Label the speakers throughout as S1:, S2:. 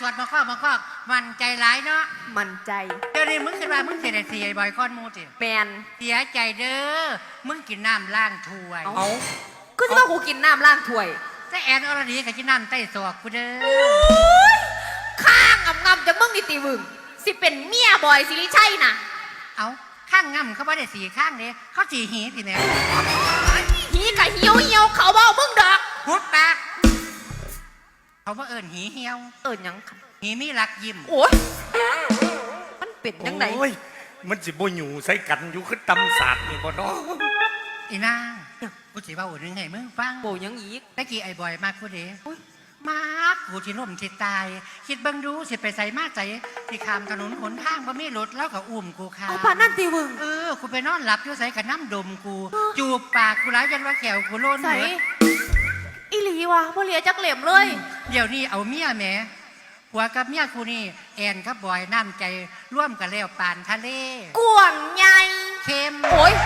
S1: สวดมาข้อมันใจร้ายเนาะ
S2: มันใจ
S1: เดี๋ยวนี้มึงคิดว่ามึงเสียเสียบ่อยก้อนมูจิ
S2: แมน
S1: เสียใจเด้อมึงกินน้ำล้างถ้วย
S2: เอาก็จะว่ากูกินน้ำล้างถ้วย
S1: แต่แอนอรดีกับกินน้ำใต้ศอกกูเด้อ
S2: ข้างงำจะมึงนี่ตีวึงสิเป็นเมียบอยสิริชัยนะ
S1: เอาข้างงำเขาไม่ได้สีข้างเด้เขาสีหีสิแม่
S2: หีกับเหี่ยวเขาบอกมึงดอก
S1: พุดปากเขาว่าหีเหี่ยว
S2: ยัง
S1: หีมีรักยิ้ม
S2: โอ้ยมันเป็นยังไง
S3: โอ้ยมันสิบ่อยู่ใส่กันอยู่คือตำศาสตร์นี่บ่เนาะ
S1: อีนางกูสิว่านึงให้มึงฟัง
S2: โบยังอีก
S1: ตะกี้ไอ้บอยมากกูเด้มากกูที่น่มที่ตายคิดเบิ่งดูสิไปใส่มาใจที่ข้ามถนนหนทางบ่มีรถแล้วก็อุ้มกูค่ะ
S2: เอาปานนั่นตีวึง
S1: กูไปนอนหลับอยู่ใส่กับน้ำดมกูจูบปากกูร้ายยันว่าแขวกูโล้น
S2: ใส่อีหลีวะบ่เหลียจักเหลี่ยมเลย
S1: เดี๋ยวนี้เอาเมียแม่ผัวกับเมียกูนี่แอนกับบอยน้ำใจร่วมกันแล้วปานทะเล
S2: กวงใหญ่
S1: เค็ม
S2: โอ้ย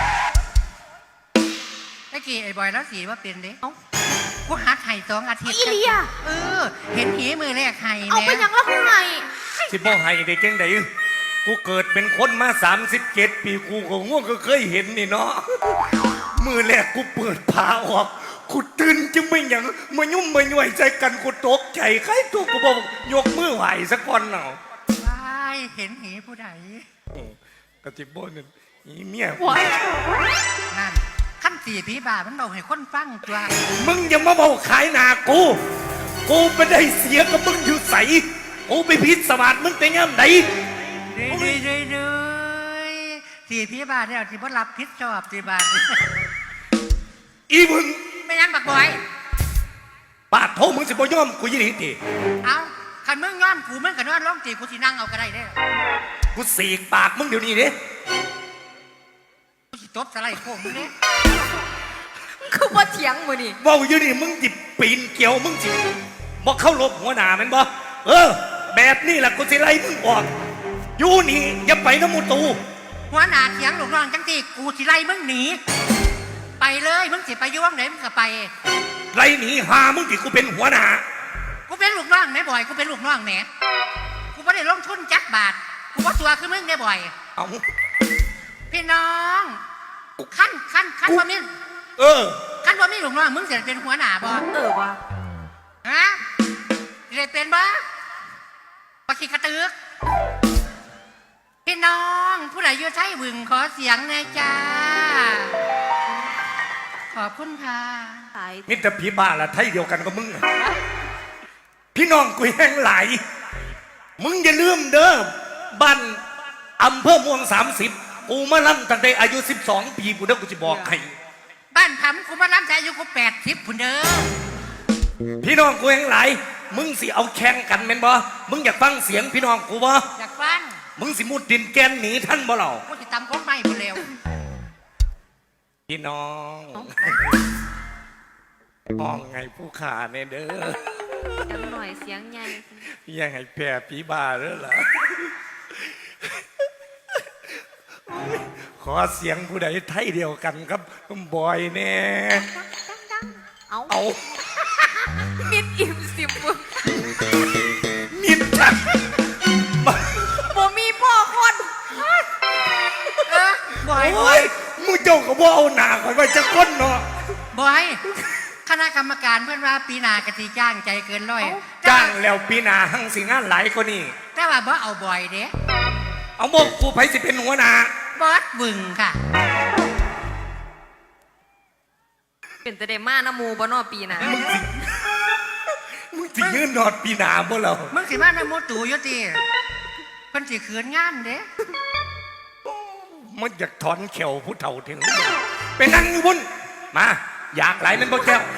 S1: ตะกี้ไอ้บอยแล้วสีว่าเป็นเด้กูหัดไห้2 อาทิตย์
S2: อีเลีย
S1: เห็นหีมือแรกไห้
S2: เอาไปยังละกูไห้
S3: สิบ่ไห้ได้จังได๋กูเกิดเป็นคนมา37 ปีกูก็ง่วงก็เคยเห็นนี่เนาะมือแรกกูเปิดผ้าออกกูตื่นจึงไม่หยังมายุ่มมาหน่วยใจกันกูตกใจใครตัวกูบอกยกมือไหวสักคนเนาะ
S1: ว้ายเห็นหีผู้ใด
S3: กระติบบ่นั่นอีเมีย
S1: นั่นขั้นสี่ผีบามันบอกให้คนฟังตัว
S3: มึงอย่ามาบอกขายหนากูไม่ได้เสียกับมึงอยู่ใสกูไปพิษสวัสดิ์มึงแต่ย่ำไหน
S1: สี่ผีบาเนี่ยที่บ่รับพิษชอบสี่บา
S3: อีมึง
S1: ไม่ยังบักบอย
S3: ปาดโทมึงสิบ่ย่อมกูยินดีตี
S1: เอาคันมึงย่อมกูมึงกับนอนร้องตีกูสินั่งเอาก็ได้เด้
S3: กูสีกปากมึงเดี๋ยวนี้เด้
S1: กูสิตบสไลด์โค้งมึงเด้
S2: คือว่าเถียงมือนี่
S3: ว่าอยู่นี่มึงจิปีนเกี่ยวมึงจิบ่เข้าลบหัวหน้ามันบ่แบบนี้แหละกูสิไล่มึงออกอยู่นี่อย่าไปน้ำมูตู
S1: หัวหน้าเถียงหลงรองจังที่กูสิไล่มึงหนีไปเลยมึงสิไปยุ่งไหนมึงก็ไป
S3: ไล่หนีหามึงที่กูเป็นหัวหน้า
S1: กูเป็นลูกน้องไหมบ่อยกูเป็นลูกน้องแหนกูไม่ได้ลงทุนจักบาทกูว่าตัวคือมึงได้บ่อย
S3: เอา
S1: พี่น้องขั้นว่ามึงขั้นว่ามึงลูกน้องมึงเสียเป็นหัวหน้าบ่
S2: วะ
S1: ฮะเรียนเป็นบ่ปะขี้กระตึกพี่น้องผู้ใดอยู่ใช้วึงขอเสียงหน่อยจ้าขอบคุณค่ะ
S3: มิตรผีบ้าละไทยเดียวกันกับมึงพี่น้องกูแห้งไหลมึงอย่าลืมเด้อบ้านอำเภอม่วง30กูมาล่ำตั้งแต่อายุ12 ปีกูเด้อกูจะบอกให้
S1: บ้านทำกูมาล่ำแต่อายุกู80พุ่นเด้อ
S3: พี่น้องกูแห้งไหลมึงสิเอาแข่งกันแม่นบ่มึงอยากฟังเสียงพี่น้องกูบ่
S1: อยากฟัง
S3: มึงสิมุดดินแกนหนีท่านบ่เหล่า
S1: กูจะตำก้นไม้บ่เร็ว
S3: พี่น้องมองไงผู้ขาเนี่ยเด้อ
S2: จังหน่อยเสียงใหญ่
S3: ยังไงแผ่ผีบ้าเด้อล่ะขอเสียงผู้ใดไทยเดียวกันครับบอยแน่
S2: เอามิดอิ่มสิบ
S3: มิดจัง
S2: บ่มีพ่อคน
S1: บอย
S3: มึงเจ้าก็บ่เอาหนาคอยไว้จะก้นเนาะ
S1: บอยคณะกรรมการเพื่อนว่าปีหน้ากะทิจ้างใจเกินร้อย
S3: จ้างแล้วปีหน้าหั่งสิงานหลายกว่านี้
S1: แต่ว่าบ่เอาบ่อยเด้
S3: เอาบอกกูไผสิเป็นหัวหน้า
S1: บอสบึงค่ะ
S2: เป็นแต่เดม่าน้ำมูบ่นอปีหน้า
S3: มึงสิยืนนอดปีหน้าบ่เรา
S1: มึงสิมาน้ำมูตู่อยู่ติเพิ่นสิขืนงานเด้
S3: มันอยากถอนเขียวผู้เฒ่าถึงไปนั่งอยู่บนมาอยากไหลมันบ่แก้ว